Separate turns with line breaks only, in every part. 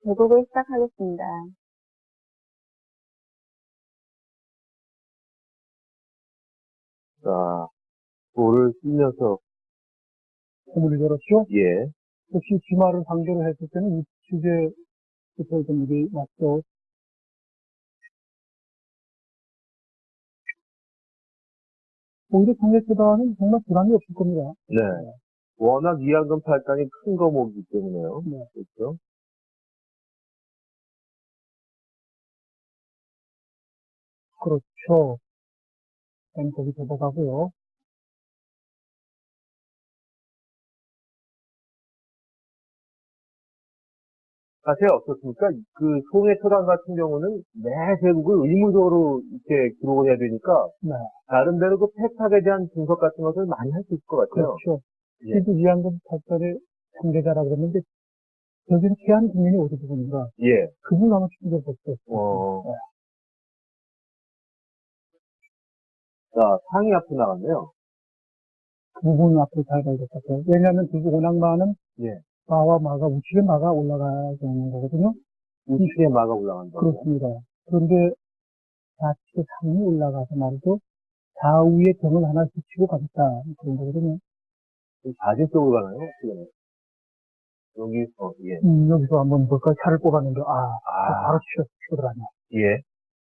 대국을 시작하겠습니다.
자, 돌을 쓰면서,
문을 열었죠?
예,
혹시 주말을 상대로 했을 때는 우측에 좀 일이 맞죠? 오히려 상대보다는 정말 부담이 없을 겁니다.
네. 워낙 이한금 팔단이 큰 거목이기 때문에요.
네.
그렇죠?
그렇죠. 앵콜이 접어가고요.
사실 어떻습니까? 그 송해초단 같은 경우는 매 대국을 의무적으로 이렇게 기록을 해야 되니까,
네.
나름대로 그 패착에 대한 분석 같은 것을 많이 할 수 있을 것 같아요.
그렇죠.
예.
시드 이한금 탈전의 상대자라 그랬는데, 여기는 피한 국민이 어디 부분인가?
예.
그분 아마 충분히 볼수
어.
있어요.
자, 상이 앞으로 나갔네요.
그 부분 앞으로 잘 가야 될 것 같아요. 왜냐하면 두 오낙마는
예.
마와 마가 우측에 마가 올라가야 되는 거거든요.
우측에 마가 올라간다고요?
그렇습니다. 그런데 좌측에 상이 올라가서 말이죠. 좌우에 병을 하나 붙이고 가겠다. 그런 거거든요.
좌진 쪽으로 가나요? 어떻게 여기서, 예.
여기서 한번 볼까? 차를 뽑았는데,
아.
바로 치어들어가네.
예.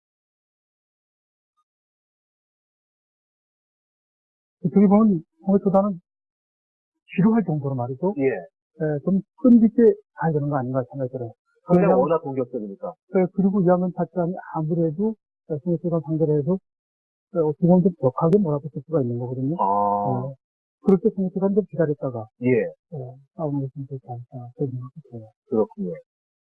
어떻게 보면, 홍해초단은 지루할 정도로 말이죠.
예.
좀 끈기있게 가야 되는 거 아닌가 생각이 들어요.
그냥 워낙 공격적이니까.
그리고 이하면 타점이 아무래도, 홍해초단 상대로 해도, 어떻게 보면 좀 격하게 몰아붙을 수가 있는 거거든요.
아.
그럴 때 홍해초단 좀 기다렸다가,
예.
싸우는 게 좀 좋지 않을까, 그런 생각이 들어요.
그렇군요.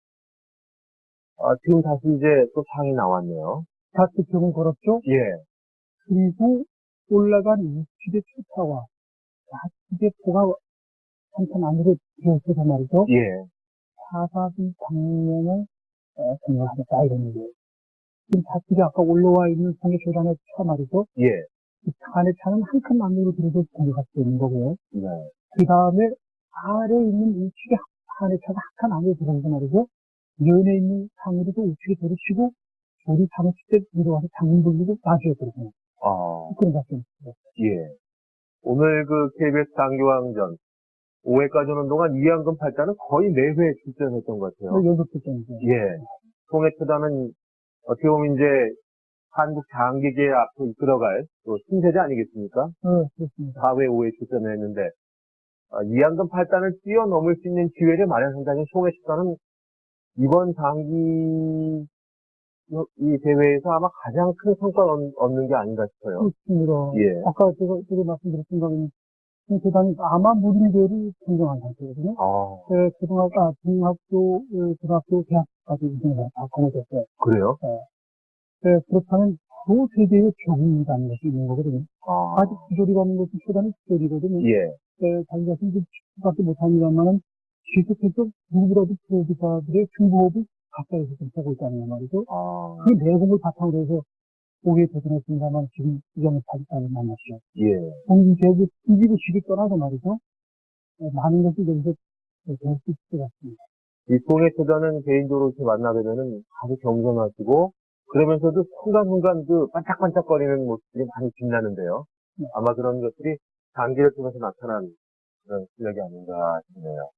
지금 다시 이제 또 상이 나왔네요.
좌측 병을 걸었죠?
예.
그리고 올라간 우측의 초타와 좌측의 포가 한참 안으로 들어서서 말이죠.
예.
사사기 방면을 공략하겠다 이런 얘기예요. 지금 좌측에 아까 올라와 있는 송해초단의 차 말이죠.
예.
이 차 안의 차는 한 칸 안으로 들어서 공격할 수 있는 거고요.
네.
그 다음에 아래에 있는 우측의 안의 차가 한 칸 안으로 들어가서 말이죠. 면에 있는 상으로도 우측에 들이치고 우리 상을 칠 때 들어가서 장문 돌리고 나중에 들어가요. 그런 작전이 있어요.
예. 오늘 그 KBS 장기왕전 5회까지 오는 동안 이한금 팔단은 거의 매회 출전했던 것 같아요.
연속 출전이죠.
예. 송해초단은 어떻게 보면 이제 한국 장기계 앞으로 이끌어갈 또 신세대 아니겠습니까?
그렇습니다.
4회, 5회 출전을 했는데 이한금 팔단을 뛰어넘을 수 있는 기회를 마련한다는 송해초단은 이번 장기 이 대회에서 아마 가장 큰 성과를 얻는 게 아닌가 싶어요.
그렇습니다.
예.
아까 제가 말씀드렸던 거는 대단히 아마 무림대를 평정한 상태거든요. 중학교, 고등학교, 대학까지 우승을 다 거머쥐었어요.
그래요?
그렇다면 그 세계의 적응이라는 것이 있는 거거든요. 아직 기조리가 없는 것이 초단의 기조리거든요.
예.
자기가 힘들 수밖에 못합니다만은 계속해서 누구라도 프로듀서들의 중부호흡을 가까이서 좀 보고 있다는 말이죠. 그 내공을 바탕으로 해서 오게 도전했습니다만 지금 이점을 타깃단을 만났죠.
예.
공기제국 이기고 시기 떠나서 말이죠. 많은 것이 여기서 배울 수 있을 것 같습니다.
이 송해초단은 개인적으로 이렇게 만나게 되면 아주 겸손하시고 그러면서도 순간순간 그 반짝반짝거리는 모습들이 많이 빛나는데요. 아마 그런 것들이 단기를 통해서 나타난 그런 실력이 아닌가 싶네요.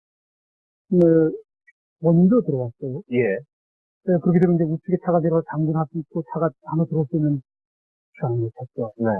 먼저 들어왔어요.
예.
그렇게 되면 이제 우측에 차가 내려 당근할 수 있고 차가 안으로 들어올 수 있는 시간을 못했죠.
네.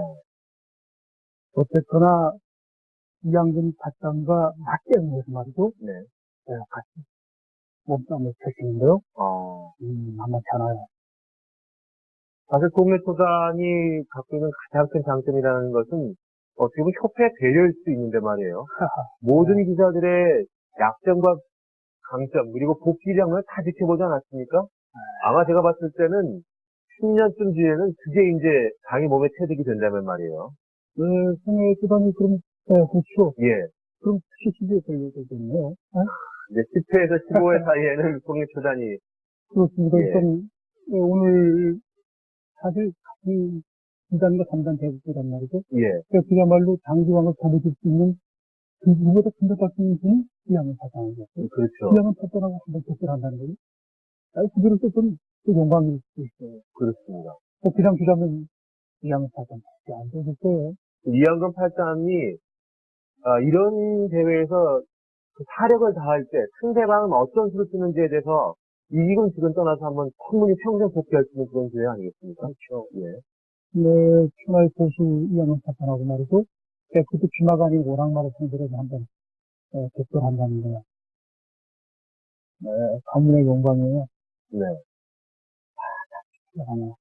어쨌거나 이양근 바탕과 맞게 하는 것이 말이죠.
네.
같이 몸싸움을 펼치는데요. 만만치 않아요.
사실 송해초단이 갖고 있는 가장 큰 장점이라는 것은 어떻게 보면 협회 배려일 수 있는데 말이에요. 모든 기자들의 약점과 강점 그리고 복귀량을 다 지켜보지 않았습니까? 아마 제가 봤을 때는 10년쯤 뒤에는 그게 이제 자기 몸에 체득이 된다면 말이에요.
송해초단이 그럼, 그렇죠.
예.
그럼 CCB에 걸려있겠네요.
이제 10회에서 15회 사이에는 송해초단이
그렇습니다.
예.
일단, 오늘, 사실, 이 2단과 3단 대국이란 말이죠.
예.
그야말로 장기왕을 거머쥘 수 있는, 누구보다 큰 것 같은 분이 이양은 사장이죠.
그렇죠.
이양은 사장하고 한번 접근한다는 거지. 그들은 또 영광일 수도 있어요.
그렇습니다.
그냥 주자면 이양은 사장 안 되실 거예요.
이양금 팔단이 이런 대회에서 그 사력을 다할 때 상대방은 어떤 수를 쓰는지에 대해서 이기건 지건 떠나서 한번 충분히 평생 복귀할 수 있는 그런 기회 아니겠습니까?
그렇죠.
예.
네, 천하의 고수 이양은 사장하고 말이죠. 그것도 쥐마가 아닌 오랑말을 상대로 한번 접근한다는 거야. 네, 가문의 영광이에요.
네.
하나.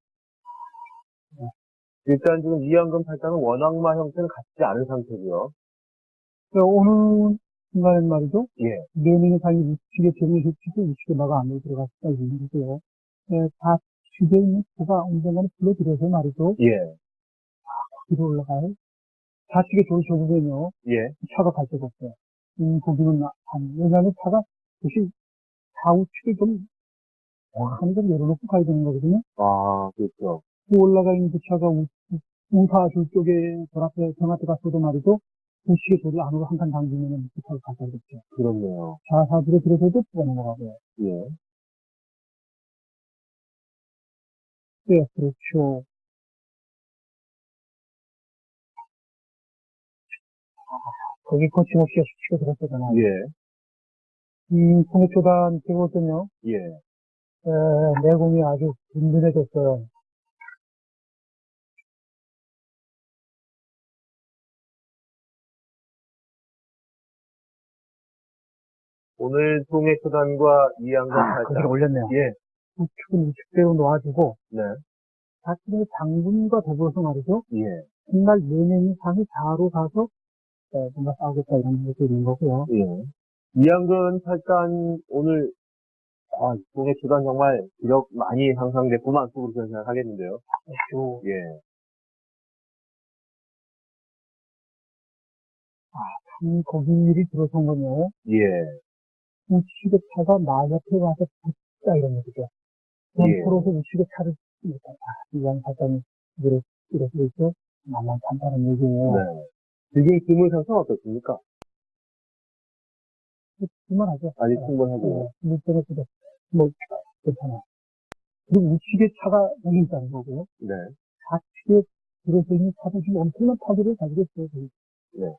일단 지금 이양금 팔단은 원악마 형태는 갖지 않은 상태고요.
어느 순간엔 말이죠.
예.
내면의 삶이 우측에 재능이 흡치고 우측에 마가 안으로 들어갈 수가 있는 거고요. 좌측에 있는 조가 언젠가는 불러들여서 말이죠.
예.
뒤로 올라가요. 좌측에 조를 접으면요.
예.
차가 갈 데가 없어요. 거기는 왜냐하면 차가 혹시 좌우측에 좀 하는 좀 내려놓고 가야 되는 거거든요.
아, 그렇죠.
그 올라가 있는 그 차가 우사줄 쪽에 정 앞에 갔어도 말이죠. 우측에 조를 안으로 한 칸 당기면은 그 차가 가야 되겠죠.
그렇네요.
좌사줄에 들어서도 또 넘어가고요.
예.
네, 그렇죠. 거기 거침없이 치고 들었잖아요.
예.
통해초단 찍었거든요.
예.
내공이 아주 든든해졌어요.
오늘 통해초단과 이양금 팔단.
거기를 올렸네요.
예.
우측은 우측대로 놓아주고,
네.
사실은 장군과 더불어서 말이죠.
예.
정말 내면이 상이 좌로 가서, 뭔가 싸우겠다 이런 것도 있는 거고요.
예. 이양근 팔단 오늘 통해초단 정말 기력 많이 향상됐구만 속으로 그런 생각하겠는데요.
그렇죠.
예.
거기를 들어선 거요.
예.
우측의 차가 나 옆에 와서 붙다 이런 얘기죠. 그럼
예.
서로서 우측의 차를 쓰니까, 이양 사장이 이렇게 있어 만만찮다는 얘기예요.
네. 지금 기물 상승 어떻습니까?
그만하죠.
아직 충분하고요.
물때문에 괜찮아. 그리고 우측에 차가 여기 있다는 거고요.
네.
좌측에 들어서 있는 차도 지금 엄청난 파괴를 가지고 있어요. 거기.
네.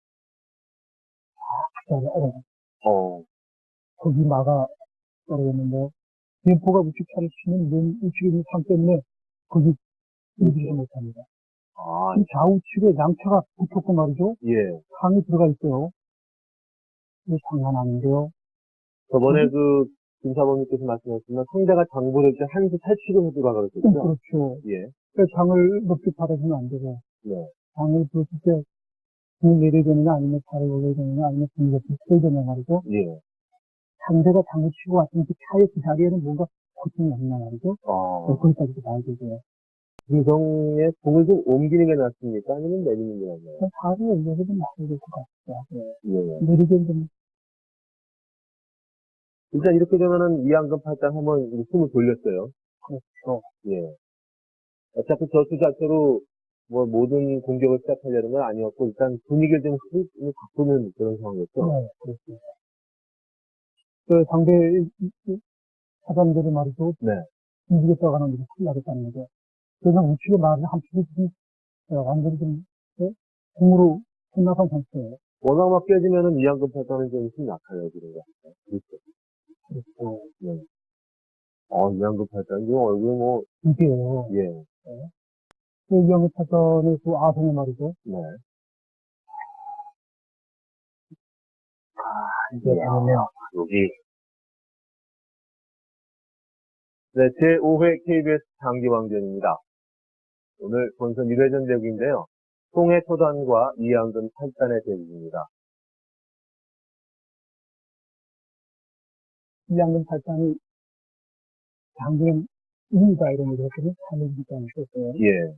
거기 막아 떨어졌는데, 대포가 우측 차를 치면 우측에 있는 상 때문에 거기 움직이지 못합니다. 지금 좌우측에 양차가 붙었고 말이죠.
예.
상이 들어가 있어요. 이거 장난 아닌데요.
저번에 김사범님께서 말씀하셨지만 상대가 장보를 때 한수 탈취를 해주가 그랬죠.
그렇죠.
예.
장을 높게 받아주면 안 되고,
네.
장을 줬을 때, 등을 내려야 되느냐, 아니면 발을 올려야 되느냐, 아니면 등을 옆에 쳐야 되느냐 말이죠.
예.
상대가 장을 치고 왔으면 그 차의 그 자리에는 뭔가 고통이 없냐 말이죠. 거기까지도 봐야 되고요.
유성의 공을 좀 옮기는 게 낫습니까? 아니면 내리는 게 낫나요?
발을 올려서 좀 놔야 될 것 같아요.
예.
내리기엔 좀,
일단 이렇게 되면은 이양금 팔단 한번 숨을 돌렸어요.
그렇죠.
예. 어차피 저수 자체로 모든 공격을 시작하려는 건 아니었고, 일단 분위기를 좀 바꾸는 그런 상황이었죠.
네, 그렇습니다. 상대 사람들이 말이죠.
네.
움직였다가 하는 게 큰일 나겠다는 거죠. 그래서 우측에 말을 한쪽이 지금 완전히 좀 공으로 끝나간 상태예요.
워낙 막 깨지면은 이양금 팔단은 좀 힘이 약해요, 그런 거. 그렇죠.
그렇죠.
네. 이양금 팔단, 이 얼굴
이게요.
예.
그 이영애 타선의 그 아성의 말이죠.
네.
이게 아니네요.
여기. 네, 제5회 KBS 장기왕전입니다. 오늘 본선 1회전 대국인데요. 통해초단과 이양금 팔단의 대국입니다.
이양근 팔단이 장기는 이니다 이런 얘기를 했더니 3일 기간이 있었어요.
예.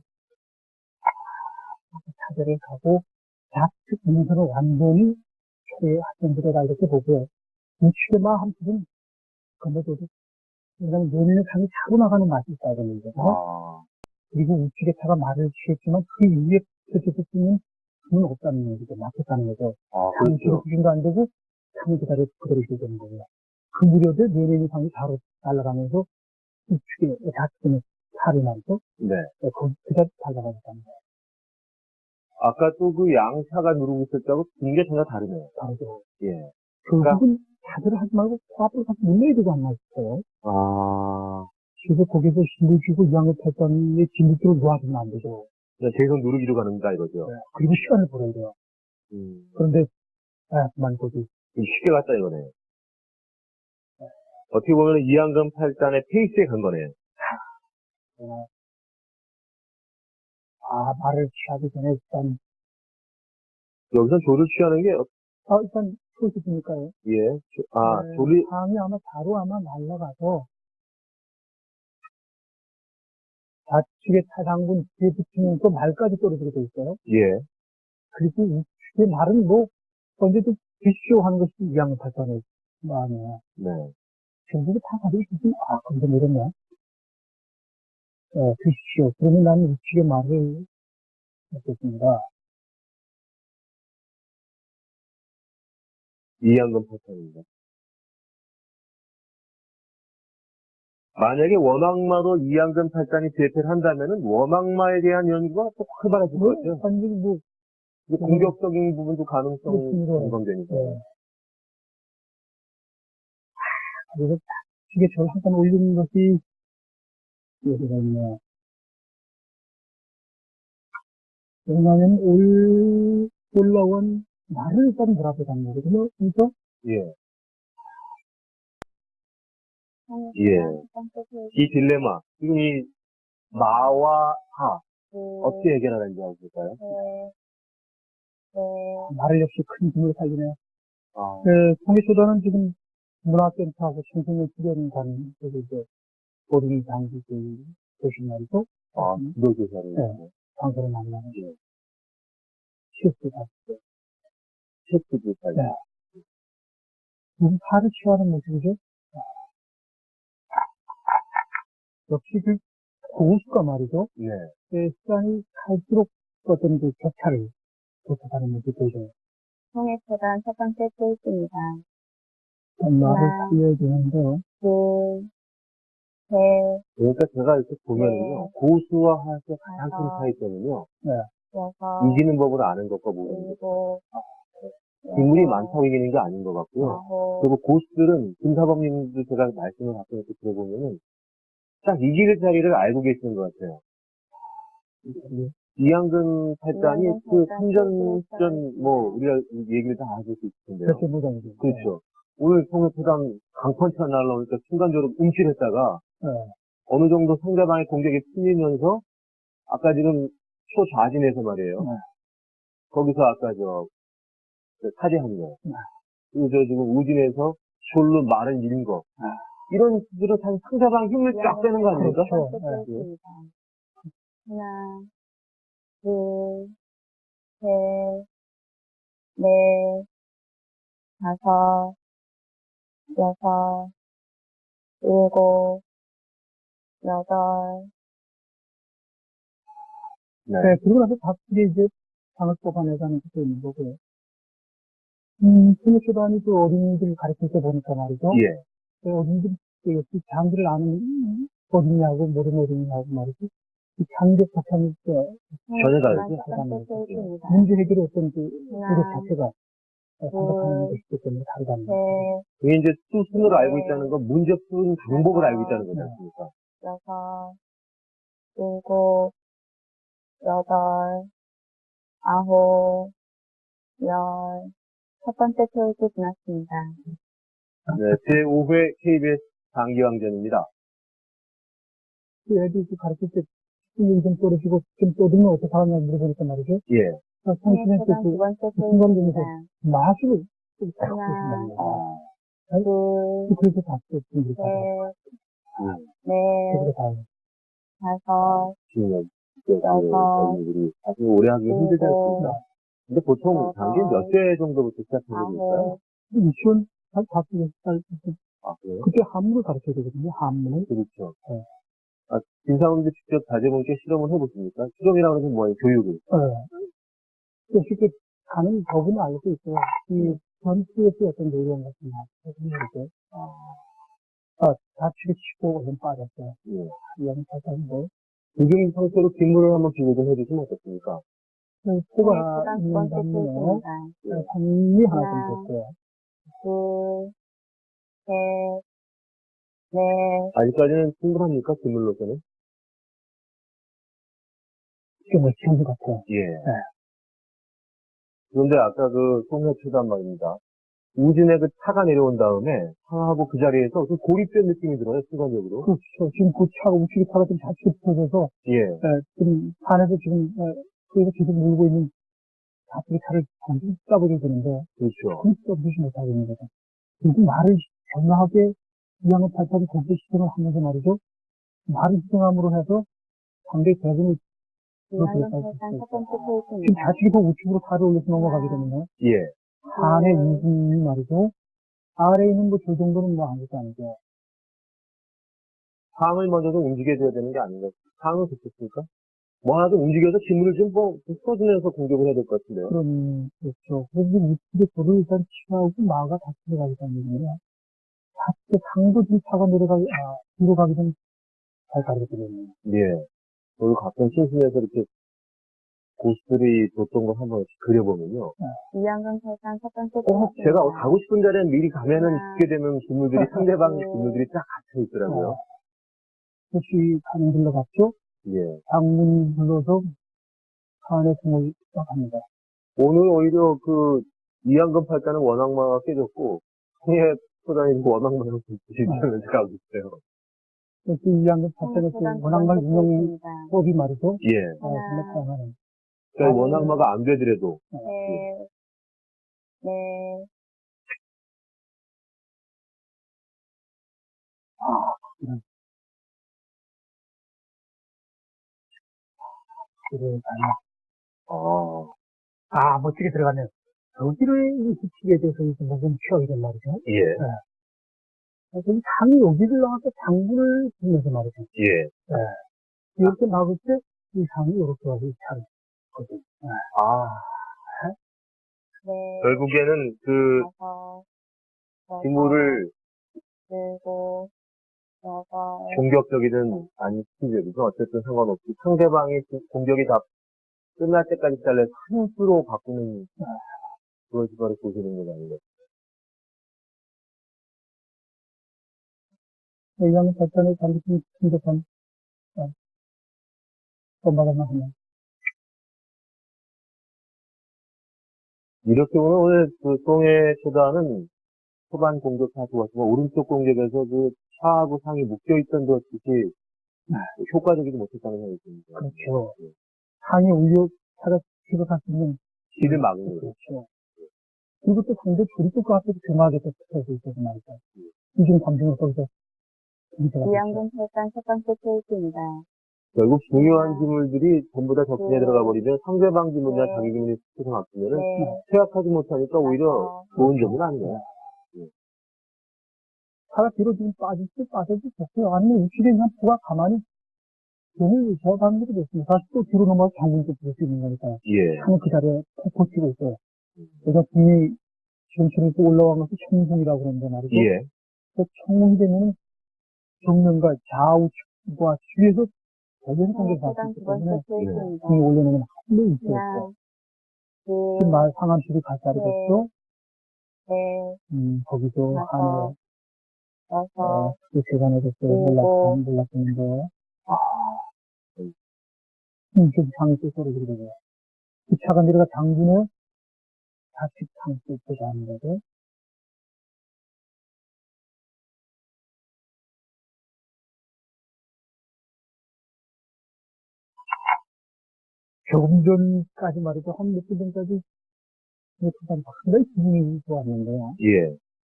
차별을 가고 좌측 인선을 완전히 학생들에다 이렇게 보고요. 우측에만 한쪽은 건너줘도 왜냐면 내리는 상이 차고 나가는 맛이 있다는 거죠. 그리고 우측에 차가 말을 취했지만 그 이후에 펼쳐질 수 있는 힘은 없다는 얘기죠. 막혔다는 거죠.
그렇죠.
우측에 수준도 안 되고 창을 그대로 있게 되는 거예요. 그 무렵에 내내는 상이 바로 날아가면서 우측에, 좌측에 살이 나서,
네.
거기 그대로 달려가게 되는 거예요.
아까 또 그 양차가 누르고 있을 때하고 분위기가 전혀 다르네요.
바로
예.
결국은 자세를 하지 말고 코앞으로 가서 눌러야 되지 않나 싶어요.
아,
그래서 거기서 힘을 주고 이양을 탈단의 진흙으로 놓아주면 안 되죠.
그냥 계속 누르기로 가는다 이거죠.
네. 그리고 시간을 벌어야 돼요. 그런데, 그만 거기.
좀 쉽게 갔다 이거네요. 어떻게 보면 이양금 8단의 페이스에 간 거네요.
말을 취하기 전에 일단,
여기서 조를 취하는 게,
일단, 소식이니까요.
예,
네,
조리,
상이 아마 바로 날아가서, 좌측에 타상군 뒤에 붙이면서 말까지 떨어지게 돼 있어요.
예,
그리고 우측에 말은 언제든 드시오 하는 것이 이양을 탈단의 마음이에요.
네.
전부 다 가지고 있으면, 근데 이러네. 드시오. 그러면 나는 우측에 말을 했습니다.
이양금 8단입니다. 만약에 원악마로 이양금 8단이 제패를 한다면은 원악마에 대한 연구가 또 활발해질 것 같아요.
완전히
이게 공격적인 부분도 가능성이
그렇습니다.
전망되니까.
그래서 이게 저를 한번 올리는 것이 여기가 있네요. 왜냐하면 올라온 말을 일단 돌아보자는 거거든요. 그래서
예. 예. 이 딜레마, 지금 이 마와 하, 어떻게 해결하는지 한번 볼까요?
말을 역시 큰 힘을 살리네요.
아,
통일초단은 지금 문화센터하고 청소년 수련관, 그리고 이제 어린이 장기들 교신 말이죠.
지도교사를.
네. 장소를 만나는
예.
시스가 있어요.
체크교사.
네. 지금 살을 취하는 모습이죠. 역시 그 고수가 말이죠.
네.
시간이 갈수록 어떤 그 격차를 도착하는 모습이 보여요.
통일초단 첫 번째 페이지입니다.
말을
하나,
살려야 되는데요.
둘, 셋,
그러니까 제가 이렇게 보면은요,
네.
고수와 하수의 가장 큰
다섯,
차이점은요,
여섯,
이기는 법을 아는 것과 모르는 것.
일곱,
인물이
여덟,
많다고 이기는 게 아닌 것 같고요.
아홉,
그리고 고수들은, 김사범님도 제가 말씀을 가끔 이렇게 들어보면은, 딱 이길 자리를 알고 계시는 것 같아요. 이양근 팔단이
이양근
그
팔단,
참전전, 우리가 얘기를 다 하실 수 있을 텐데요.
그렇게 보장이죠.
그렇죠. 오늘 통일포당 강펀치가 날라오니까 순간적으로 움찔했다가,
네.
어느 정도 상대방의 공격에 풀리면서, 아까 지금 초좌진에서 말이에요.
네.
거기서 아까 사제한 거. 그리고 지금 우진에서 숄로 말을 잃은 거. 이런 수들은 사실 상대방 힘을 쫙 빼는 거 아닙니까?
첫 번째 페이지입니다. 하나, 둘, 셋, 넷, 다섯, 여섯, 일곱, 여덟,
네.
그리고 나서 박수게 이제 방을 뽑아내자는 것도 있는 거고요. 통일초단이 그 어린이들 가르칠 때 보니까 말이죠.
예.
그 어린이들, 역시 장기를 아는 어린이하고 모르는 어린이하고 말이죠. 이 장기적 자체는
전혀 다르죠?
첫 번째 페이지입니다.
문제 해결의 어떤 그
하나,
노력 자체가 생각하는 것이기 때문에 다르다는 거죠.
셋,
그게 이제 수순으로 알고
네.
있다는 건 문제 푸는 방법을 알고 있다는 거지
네.
않습니까?
여섯, 일곱, 여덟, 아홉, 열. 첫 번째 페이지 지났습니다.
네. 제5회 KBS 장기왕전입니다.
그 애들 가르칠 때 실력이 좀 떨어지고 좀 떠들면 어떻게 하느냐 물어보니까 말이죠.
예.
성신의
통일초단 두 번째
순간적으로
페이지입니다.
마술을 좀
하나,
보신다는
둘,
그래서 봤어요. 분들이 다.
셋, 넷,
그래서 다.
다섯,
지금,
여섯,
우리 사실 오래 하기 힘들지 않습니까?
일곱,
근데 보통
여덟,
장기 몇 세 정도부터 시작하는 걸까요?
아홉,
유치원 한 5살
아, 그래요?
그때 한문을 가르쳐야 되거든요. 한문을.
그렇죠.
네.
김사원도 직접 자제분께 실험을 해보십니까? 실험이라고 하면 뭐예요? 교육을.
쉽게 가는 법은 알고 있어요. 이 전투에서 어떤 내용 같은 거, 이렇게, 다치고 치고 좀 빠졌어요.
예.
이양 발전인데,
지금 상태로 뒷물을 한번 비교 좀 해주시면 어떻습니까?
코가
시간 두
있는
번째
장면에
페이지입니다.
산이 하나
하나.
좀 됐어요.
둘, 셋, 넷,
아직까지는 충분합니까? 뒷물로서는?
좀 어찌한 것 같아요.
예. 그런데 아까 그 송해 초단 말입니다. 우진의 그 차가 내려온 다음에 차하고 그 자리에서 그 고립된 느낌이 들어요, 순간적으로.
그렇죠. 지금 그 차가, 우측의 차가 좀 좌측에 붙어져서,
예.
지금 산에서 지금, 거기서 계속 몰고 있는 좌측의 차를 완전히 따버려야 되는데,
그렇죠.
그걸 떠보지 못하고 있는 거죠. 그리고 말을 정확하게 이양의 발판이 거기에 시정을 하면서 말이죠. 말을 시정함으로 해서 상대 대군을
이완전 설산 첫 번째
지금
페이지입니다.
좌측에서 우측으로 살을 올려서 넘어가게 되면요.
예.
산의 이분이 말이죠. 아래에 있는 저 정도는 아무것도 아니죠.
상을 먼저 좀 움직여줘야 되는 게 아닌가. 상은 좋겠습니까? 뭐 하나 좀 움직여서 기물을 좀 풀어주면서 공격을 해야 될 것 같은데요.
그렇죠. 그래서 우측에 돌을 일단 치하고 마가 같이 들어가기 때문에 좌측에 상도 뒤 차가 뒤로 가기 전에 잘 가르쳐드리네요.
예. 그리고 가끔 심심해서 이렇게 고수들이 줬던 거 한번 그려보면요.
이완전 설산 첫 번째
꼭
페이지입니다.
제가 가고 싶은 자리에 미리 가면은
하나.
죽게 되는 기물들이 상대방 기물들이 쫙 갇혀 있더라고요.
혹시 간 불러갔죠?
예.
장문 불러서 산에 등을 시작합니다.
오늘 오히려 그 이양금 팔자는 원악마가 깨졌고 홍해 소장님 원악마가 부딪히는 제가 알고 있어요.
그 이양금 사건의 그 원앙말 운영법이 말이죠.
예.
정말 다양하네.
그러니까 원악마가 안 되더라도
셋, 넷,
그래,
아,
멋지게 들어가네요. 여기를 붙이게 돼서 이제 목은 취하게 말이죠.
예.
그래서 상이 여기를 나와서 장구를 주면서 말이죠.
예.
이렇게 막을 때 이 상이 이렇게 와서 이 차를 거든.
아,
넷,
결국에는 그
다섯,
기물을
일곱, 여덟,
공격적이든 아니 수비적이든 어쨌든 상관없이 상대방의 공격이 다 끝날 때까지 잘라서 한 수로 바꾸는 그런 수발을 보시는 건 아니에요.
이양금 발전에 반드시 충족한 엄마가만 하면.
이렇게 보면 오늘 그 송해 초단은 초반 공격 다 좋았지만 오른쪽 공격에서 그 차하고 상이 묶여있던 것이 효과적이지 못했다는 생각이 듭니다.
그렇죠. 상이 올려 차가 집어갈 수 있는
길을 막은 거죠.
그렇죠. 그리고 또 상대 줄이 또 그 앞에서 조용하게 또 붙어서 있어서 말이죠. 이중 감정을 거기서
이완전 설산 첫 번째 페이지입니다.
결국 중요한 기물들이 전부 다 적진에 들어가 버리면 상대방 기물이나
네.
자기 기물이 스쳐서 막히면은
넷,
퇴학하지 못하니까 오히려 좋은 점은 아니에요.
차가 뒤로 지금 빠져도 좋고요. 아니면 우측에 있는 부가 가만히 눈을 제어하는 것도 좋습니다. 다시 또 뒤로 넘어가서 장군도 부를 수 있는 거니까.
예.
차는 그 자리에 푹 버티고 있어요. 그래서 뒤 지금처럼 또 올라간 것이 청궁이라고 그러는데 말이죠.
예.
그 청궁이 되면 정면과 좌우측과 뒤에서 대변 공격을
설산
받기
두 번째
때문에
페이지입니다.
등이 올려놓으면 한번 있어요.
하나,
지금
둘,
말 상암실이 갈 자리겠죠?
셋,
거기서
다섯,
하늘,
여섯,
그 세간에서 몰랐는데, 좀 상이 또 소리 들리고요. 그 차가 내려가 장군의 좌측 상수 있게 하는 거죠. 조금 전까지 말이죠. 한 몇 분 전까지 상당히 기분이 좋았는데요.
예.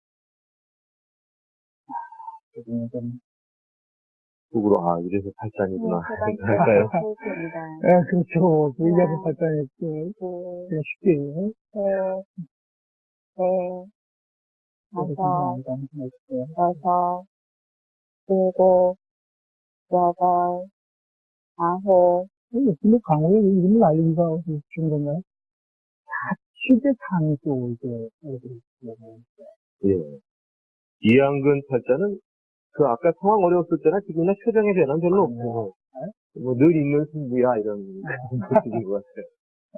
지금 좀,
속으로, 아, 이래서 팔단이구나.
설산 첫
할까요?
번째 페이지입니다.
그렇죠. 그 얘기하는
하나,
발전에
둘,
그냥 쉽게,
셋, 넷, 다섯, 여섯, 일곱, 여덟, 아홉,
근데 강호의 이름을 알리기가 쉬운 건가요? 실제상이 또 이제,
예. 이양근 팔자는 그 아까 상황 어려웠을 때나 지금이나 표정의 변화는 별로 없고, 뭐 늘 있는 승부야, 이런 모습인 것 같아요.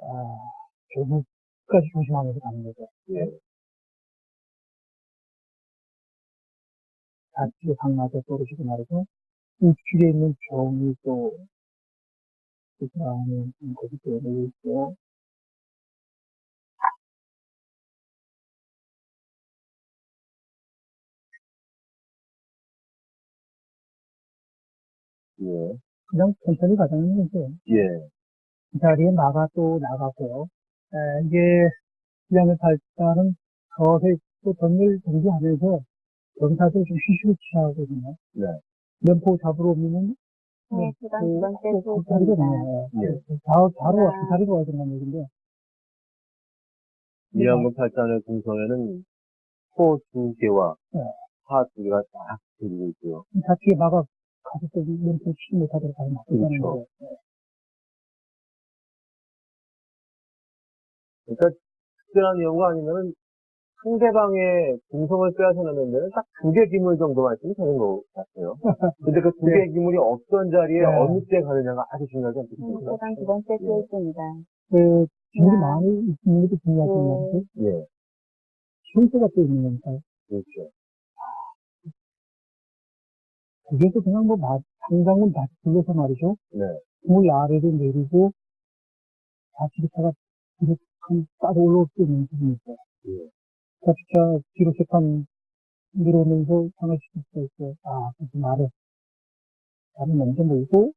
결국까지 조심하면서 가는 거죠.
예.
좌측에 상마저 떨어지고 말이죠. 우측에 있는 병이 또, 그 다음에 거기 또 여기 있고,
예.
그냥 천천히 가자는 거죠.
예.
그 자리에 마가 또 나가고요. 이게, 시장을 발달은 서서히 또 전멸 정지하면서 경사도 좀 휴식을 취하거든요.
네.
면포 잡으러 오면은,
네, 그다음 두 번째
그 자리가
소식입니다.
나와요.
예.
바로 와, 그 자리가 와야 된다는 얘기인데,
이양근 팔자의 궁성에는 소 2개와
네.
파 2개가 딱 들리고 있고요.
좌측에 마가 가서 또 면포 치지 못하도록 가면 막히다는
그렇죠.
거예요.
그러니까 특별한 이유가 아니면은 상대방의 궁성을 빼앗아내는 데는 딱 2개 기물 정도만 있으면 되는 것 같아요. 근데 그 2개 기물이 어떤 자리에
네.
어느 때 가느냐가 아주 중요하지 않겠습니까?
그다음 두 번째
예.
소식입니다.
그, 기물이
네.
많이 있는 것도 중요하지만 말이죠.
예.
순서가 또 있는 거니까.
그렇죠.
그게서 그냥 뭐, 상장은 다시 불러서 말이죠.
네.
물 아래로 내리고, 좌측차가 뒤로 따로 올라올 수 있는 부분이 있어요.
예.
좌측차 뒤로 세판 내려오면서 상하시킬 수 있어요. 그래서 나를 먼저 몰고,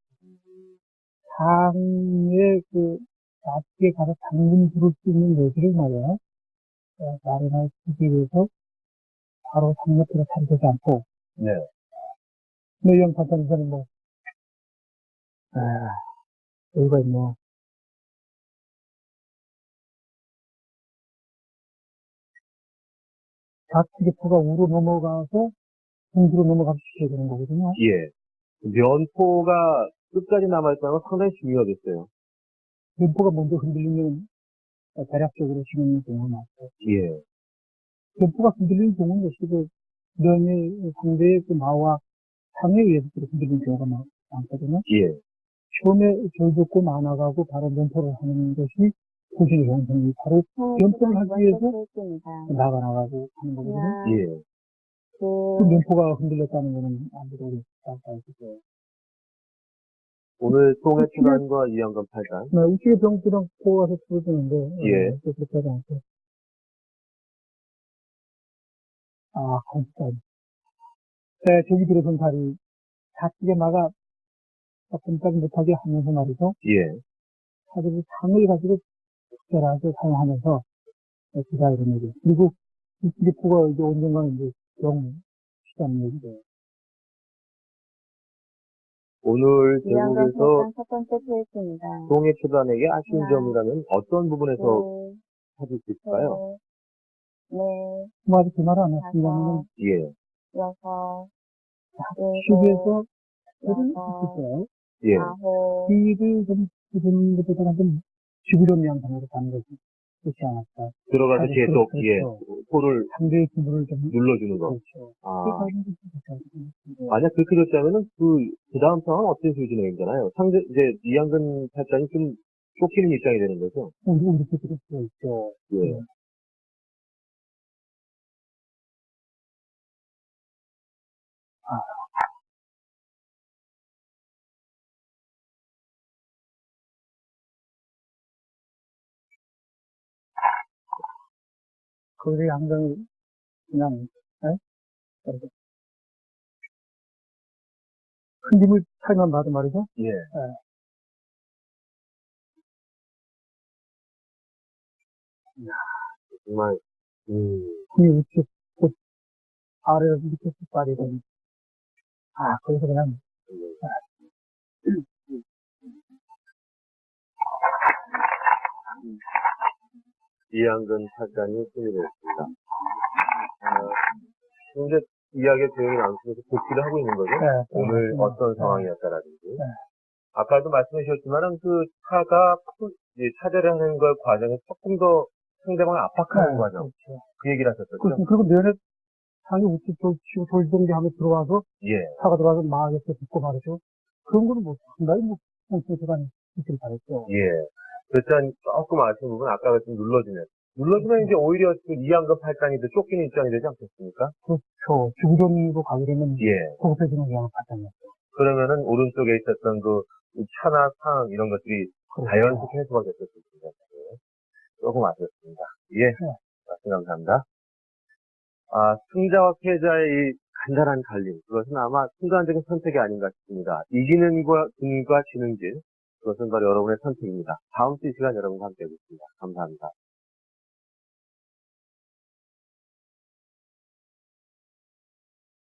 상에 좌측에 가서 당근 부를 수 있는 여지를 말이야. 마련할 주기 위해서 바로 상 옆으로 탈되지 않고,
네.
노영 파탄에서는 뭐, 여기가 뭐, 좌측의 포가 우로 넘어가서 중수로 넘어가서 시켜야 되는 거거든요.
예. 면포가 끝까지 남아있다는 건 상당히 중요하겠어요.
면포가 먼저 흔들리면 대략적으로 지는 경우가 많고,
예.
면포가 흔들리는 경우는 역시 면의 상대의 마와 상에 의해서 흔들리는 경우가 많거든요.
예.
처음에 절벽고 나가고 바로 면포를 하는 것이 도시의 형성이 바로 면포를 하기 위해서
소식입니다.
나가고 하는 거거든요.
예.
그 면포가 흔들렸다는 거는 아무래도 우리가 알고 있어요.
오늘 송해 출간과 이양근 팔단.
우측에 병수랑 포가서 풀어주는데,
예.
그렇게 하지 않고. 감사합니다. 저기 들어선 다리, 좌측에 마가 꼼짝 못하게 하면서 말이죠.
예.
사실 상을 가지고 특별하게 사용하면서, 기다 이런 얘기. 그리고 이쪽에 포가 이제 언젠가는 이제 시다는 얘기죠.
오늘
이양근
대국에서
팔단 첫 번째 소식입니다.
송해 출단에게 아쉬운
하나,
점이라면 어떤 부분에서 찾을 수 있을까요?
네,
뭐 아직 그 말을 안 했습니다만,
예.
여섯,
시기에서 일을
여섯,
했어요.
예.
아홉,
일을 좀, 그런 것보다는 좀 지구력 양상으로 가는 것이 좋지 않았까.
들어가서 계속,
그렇죠.
예. 포를
상대의 기분을 좀,
눌러주는 거.
그렇죠.
아.
그렇게 하는 것이 좋지 않습니까?
만약 그렇게 됐다면은 그 다음 상황은 어떤 수준이잖아요. 이제 이양근 팔단이 좀 쫓기는 입장이 되는 거죠.
우리 그럴 수가 있죠.
예.
거기서 양강이 그냥, 이렇게 큰 힘을 차이만 봐도 말이죠.
예. 정말,
힘이 우측, 곧 아래로 밑에 쭉 빠지더니, 거기서 그냥,
이양근 팔단이 승리했습니다. 현재 이야기의 조용히 나누면서 복귀를 하고 있는 거죠. 오늘 어떤 상황이었다라든지. 아까도 말씀해 주셨지만은 그 차가 이제 차대를 하는 걸 과정에서 조금 더 상대방을 압박하는 과정.
그렇죠.
그 얘기를 하셨었죠?
그렇습니다. 그리고 면에 상이 우측 돌치고 돌지동기 하면 들어와서
예.
차가 들어와서 막에서 붙고 말이죠. 그런 거는 뭐 상당히 뭐 공수기관이 있길 바랬죠.
예. 일단 조금 아쉬운 부분 아까 말씀 눌러주면 이제 오히려 그 2양급 8단이도 쫓기는 입장이 되지 않겠습니까?
그렇죠. 주구전으로 가게 되면 예. 소급해주는 경우가 발생했죠.
그러면은 오른쪽에 있었던 그 차나 상 이런 것들이 자연스럽게 해소가 됐을 텐데 조금 아쉬웠습니다. 예. 말씀 감사합니다. 승자와 패자의 이 간단한 갈림, 그것은 아마 순간적인 선택이 아닌가 싶습니다. 이기는 것과 지는 질, 그것은 바로 여러분의 선택입니다. 다음 주 이 시간 여러분과 함께 하겠습니다. 감사합니다.